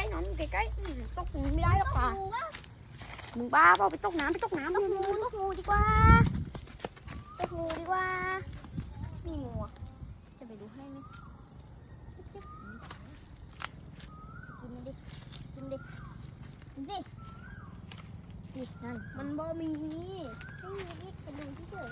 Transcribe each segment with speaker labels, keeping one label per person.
Speaker 1: ๆนอนใกล้ๆตกไม่ได้หรอกปลามึงบ้าเปล่าไปตกน้ำตกงูดีกว่ามีงูจะไปดูให้ไหมกินดินั่นมันบ่มีไม่มีอีกกระดูกที่เฉย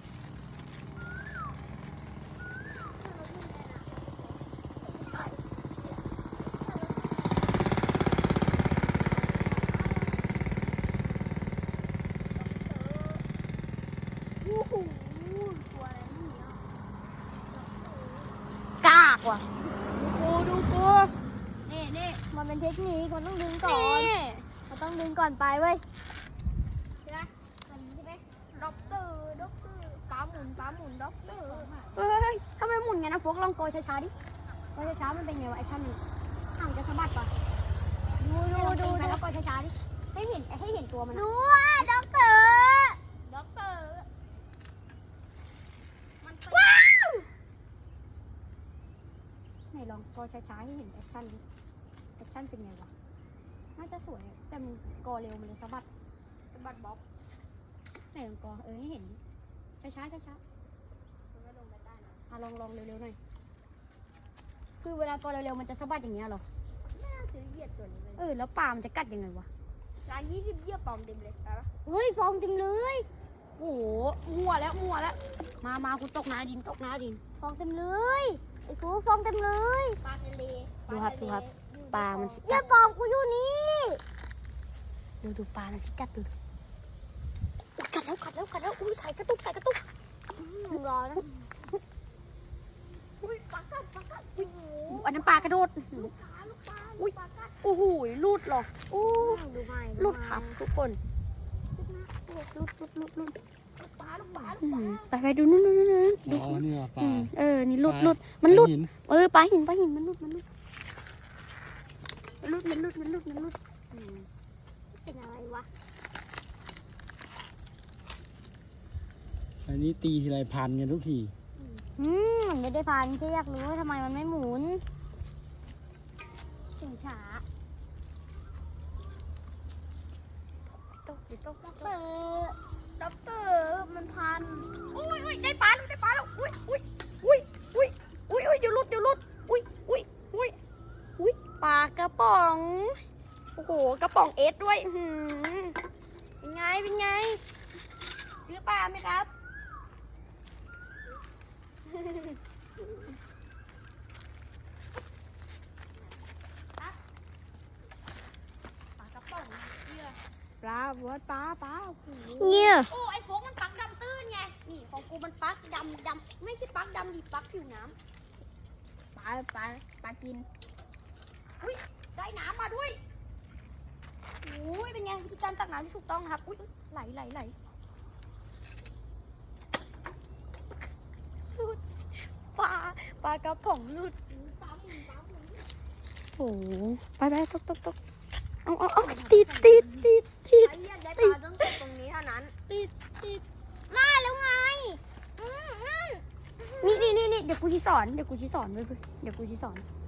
Speaker 1: กากว่ะดูกูนี่มันเป็นเทคนิคมันต้องดึงก่อนไปเว้ยใช่ไหมตอนนี้ใช่ไหมด็อกเตอร์ปลาหมุนด็อกเตอร์เฮ้ยทำไมหมุนไงนะโฟกลองโกยช้าๆดิโกยช้าๆมันเป็นไงวะไอ้ท่านนี่ห่างจะสะบัดปะดูแล้วโกยช้าๆดิให้เห็นตัวมันดูอ่ะด็อกเตอร์ว้าวไหนลองโกยช้าๆให้เห็นแอคชั่นดิแอคชั่นเป็นไงวะน่าจะสวยแต่มันกอเร็วมันเลยสะบัดบล็อกไหนลองกอให้เห็นช้ามันก็ลงไปได้นะลองเร็วๆหน่อยคือเวลากอเร็วๆมันจะสะบัดอย่างเงี้ยหรอน่าจะเหยียดตัวนี้เลยแล้วปลามันจะกัดยังไงวะ20เหยียบปอมเต็มเลยไปปะเฮ้ยฟองเต็มเลยโอ้โหมัวแล้วมาคุณตกน้ำดินฟองเต็มเลยไอ้กูฟองเต็มเลยปลาทะเลดูครับปลามันสิกัดอย่าบอกกูอยู่นี่ดูปลามันสิกัดดูกัดแล้วอุ้ยใส่กระตุกรอนะอุ้ยปลากัดอันนั้นปลากระโดดอุ้ยโอ้โหลูดหรอโอ้ลูดครับทุกคนลูดไปดูนู่นดูนี่ปลานี่ลูดมันลูดปลาหินมันลูดเป็นอะไรวะ
Speaker 2: อันนี้ตีทีไรพันกันทุกที
Speaker 1: มันไม่ได้พันแค่อยากรู้ว่าทำไมมันไม่หมุนถึงช้าตกด็อกเตอร์มันพันอุ้ยได้ปลาแล้วอุ้ยเดี๋ยวลุดอุ้ยปลากระป๋องโอ้โหกระป๋องเอสด้วยเป็นไงซื้อปลาไหมครับปลากระป๋องปลาเนี่ยโอ้ไอโฟกมันปักดำตื้นไงนี่ของกูมันปักดำไม่ใช่ปักดำดิปักผิวน้ำปลากินอุ้ยได้น้ำมาด้วยอุ้ยเป็นไงวิธีการตักน้ำที่ถูกต้องครับอุ้ยไหลปลากระป๋องลุดโอ้ไปตกเอาติดได้ปลาต้องตรงนี้เท่านั้นติดมาแล้วไงนี่เดี๋ยวกูชี้สอนเว้ยเดี๋ยวกูชี้สอน